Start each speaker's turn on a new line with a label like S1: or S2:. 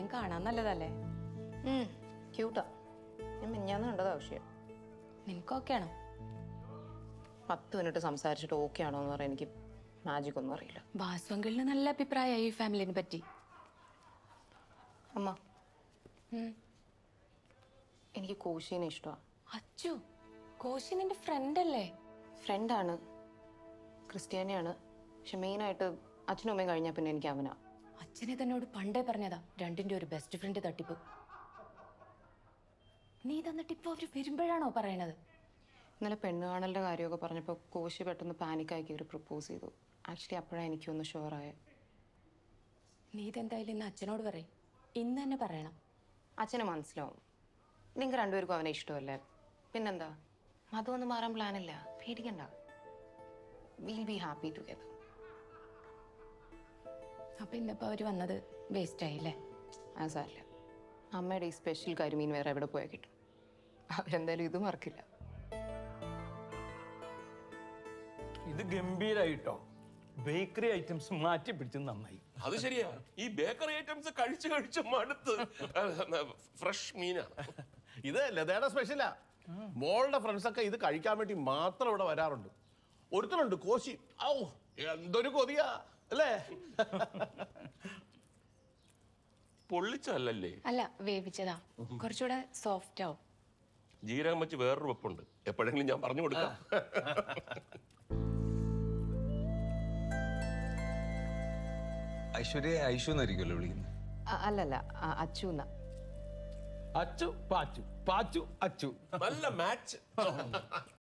S1: എന്തായാലും കാണാൻ നല്ലതല്ലേ?
S2: ക്യൂട്ടാ. ഞാൻ മിഞ്ഞാന്ന് കണ്ടതാ വിഷയം.
S1: നിനക്ക് ഓക്കെ ആണോ?
S2: 10 മിനിറ്റ് സംസാരിച്ചിട്ട് ഓക്കെ ആണോ എന്ന് പറയാൻ എനിക്ക് മാജിക് ഒന്നും അറിയില്ല.
S1: വാസു അങ്കിളിന് നല്ല അഭിപ്രായമായി ഈ ഫാമിലിനെ പറ്റി.
S2: അമ്മ, എനിക്ക് കോശീനെ ഇഷ്ടമാണ്.
S1: അച്ചു, കോശി നിന്റെ ഫ്രണ്ട് അല്ലേ?
S2: ഫ്രണ്ടാണ്, ക്രിസ്ത്യാനിയാണ്. പക്ഷെ മെയിനായിട്ട് അച്ഛനും അമ്മയും കഴിഞ്ഞാൽ പിന്നെ എനിക്ക് അവനാ.
S1: അച്ഛനെ തന്നോട് പണ്ടേ പറഞ്ഞതാ രണ്ടിന്റെ ഒരു ബെസ്റ്റ് ഫ്രണ്ട് തട്ടിപ്പ്. നീ തന്നിട്ട് ഇപ്പൊ അവര് വരുമ്പോഴാണോ പറയണത്?
S2: ഇന്നലെ പെണ്ണുകാണലിൻ്റെ കാര്യമൊക്കെ പറഞ്ഞപ്പോൾ കോശി പെട്ടെന്ന് പാനിക്കായി കയറി പ്രപ്പോസ് ചെയ്തു. ആക്ച്വലി അപ്പോഴാണ് എനിക്കൊന്ന് ഷുവറായ.
S1: നീ ഇതെന്തായാലും ഇന്ന് അച്ഛനോട് പറയും. ഇന്ന് തന്നെ പറയണം.
S2: അച്ഛന് മനസ്സിലാവും. നിങ്ങൾക്ക് രണ്ടുപേർക്കും അവനെ ഇഷ്ടമല്ലേ? പിന്നെന്താ, മതമൊന്നും മാറാൻ പ്ലാനില്ല, പേടിക്കണ്ട. Will be happy together.
S1: അപ്പൊ ഇന്നിപ്പോ അവര് വന്നത് വേസ്റ്റ് ആയില്ലേ?
S2: ആ സാറില്ല. അമ്മയുടെ ഈ സ്പെഷ്യൽ കരിമീൻ വേറെ എവിടെ പോയാൽ കിട്ടും. അവരെന്തായാലും ഇത് മറക്കില്ല.
S3: ഇത് ഗംഭീരായിട്ടോ. ബേക്കറി ഐറ്റംസ് മാറ്റി പിടിച്ച് നന്നായി.
S4: അത് ശരിയാ, ഈ ബേക്കറി ഐറ്റംസ് കഴിച്ച് മടുത്ത്. ഫ്രഷ് മീനാണ്
S5: ഇത്. ലതയുടെ സ്പെഷ്യലാ. മോളുടെ ഫ്രണ്ട്സ് ഒക്കെ ഇത് കഴിക്കാൻ വേണ്ടി മാത്രം ഇവിടെ വരാറുണ്ട്. ഒരുത്തനുണ്ട് കോശി. ഔ, എന്തൊരു കൊതിയാ അല്ലേ?
S4: പൊള്ളിച്ചല്ലേ?
S1: അല്ല, വേവിച്ചതാ. കുറച്ചുകൂടെ സോഫ്റ്റ് ആവും.
S4: ജീരകം വെച്ച് വേറൊരു വെപ്പുണ്ട്, എപ്പോഴെങ്കിലും ഞാൻ പറഞ്ഞു കൊടുക്കാം.
S6: ഐശ്വര്യ ഐഷു എന്നായിരിക്കുമല്ലോ വിളിക്കുന്നത്.
S2: അല്ലല്ല, അച്ചു എന്നാ.
S3: അച്ചു പാച്ചു, പാച്ചു അച്ചു.
S4: നല്ല മാച്ച്.